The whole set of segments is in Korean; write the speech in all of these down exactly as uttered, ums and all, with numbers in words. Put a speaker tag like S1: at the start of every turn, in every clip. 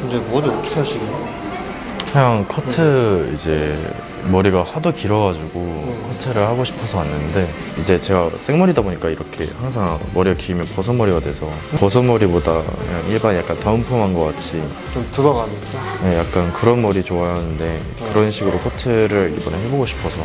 S1: 근데 머리 어떻게 하시나요?
S2: 그냥 커트 이제 머리가 하도 길어가지고 커트를 하고 싶어서 왔는데 이제 제가 생머리다 보니까 이렇게 항상 머리가 길면 버섯머리가 돼서 버섯머리보다 그냥 일반 약간 다운펌한 것 같이
S1: 좀 들어가니까.
S2: 네, 약간 그런 머리 좋아하는데 그런 식으로 커트를 이번에 해보고 싶어서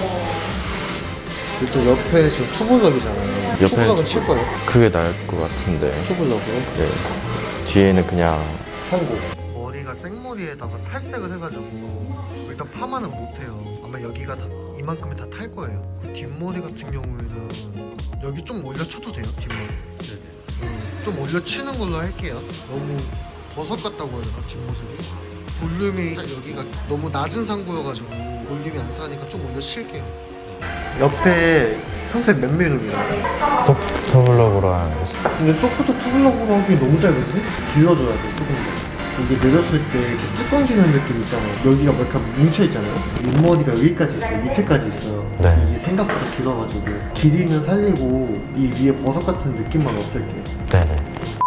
S1: 일단 옆에 지금 투블럭이잖아요.
S2: 옆에는
S1: 투블럭은 칠 거예요?
S2: 그게 나을 것 같은데
S1: 투블럭이요?
S2: 네. 뒤에는 그냥
S1: 한국. 머리가 생머리에다가 탈색을 해가지고 일단 파마는 못해요. 아마 여기가 다 이만큼이 다 탈 거예요. 그 뒷머리 같은 경우에는 여기 좀 올려쳐도 돼요, 뒷머리. 네네. 음, 좀 올려치는 걸로 할게요. 너무 버섯 같다고 해야 되나, 뒷모습이? 볼륨이 여기가 너무 낮은 상부여가지고 볼륨이 안 사니까 좀 올려칠게요. 옆에 평소에 몇 밀리미터예요?
S2: 소프트블럭으로 한
S1: 근데 소프트 투블럭으로 하기 너무 짧은데? 길러줘야 돼, 조금 더. 이게 내렸을 때 이렇게 뚜껑 지는 느낌 있잖아요. 여기가 뭐 약간 뭉쳐있잖아요. 윗머리가 여기까지 있어요. 밑에까지 있어요.
S2: 네.
S1: 이게 생각보다 길어가지고 길이는 살리고 이 위에 버섯 같은 느낌만 없앨게요.
S2: 네네.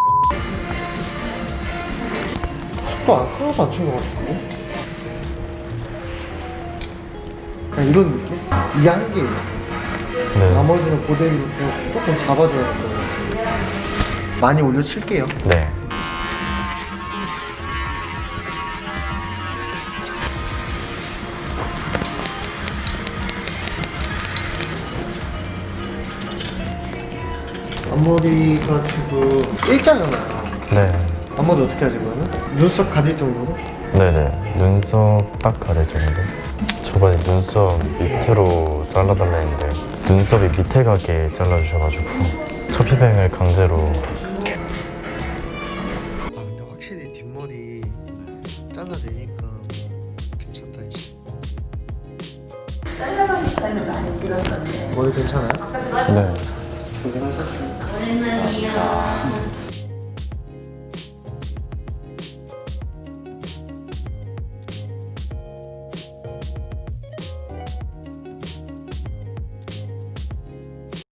S1: 또 안, 하나도 안 친 것 같은데? 그냥 이런 느낌? 이게 한계예요.
S2: 네.
S1: 나머지는 그대로 좀 조금 잡아줘야 돼요. 많이 올려칠게요.
S2: 네.
S1: 앞머리가 지금 일자잖아요.
S2: 네.
S1: 앞머리 어떻게 하지 그러면? 눈썹 가릴 정도로?
S2: 네네. 눈썹 딱 가릴 정도? 저번에 눈썹 밑으로 잘라달라 했는데 눈썹이 밑에 가게 잘라주셔가지고 처피뱅을 강제로.
S1: 아 근데 확실히 뒷머리 잘라내니까 괜찮다 이제.
S3: 잘라가니까는 많이 들었었는데
S1: 머리 괜찮아요?
S2: 네.
S1: 고생하셨어요.
S3: 저희는요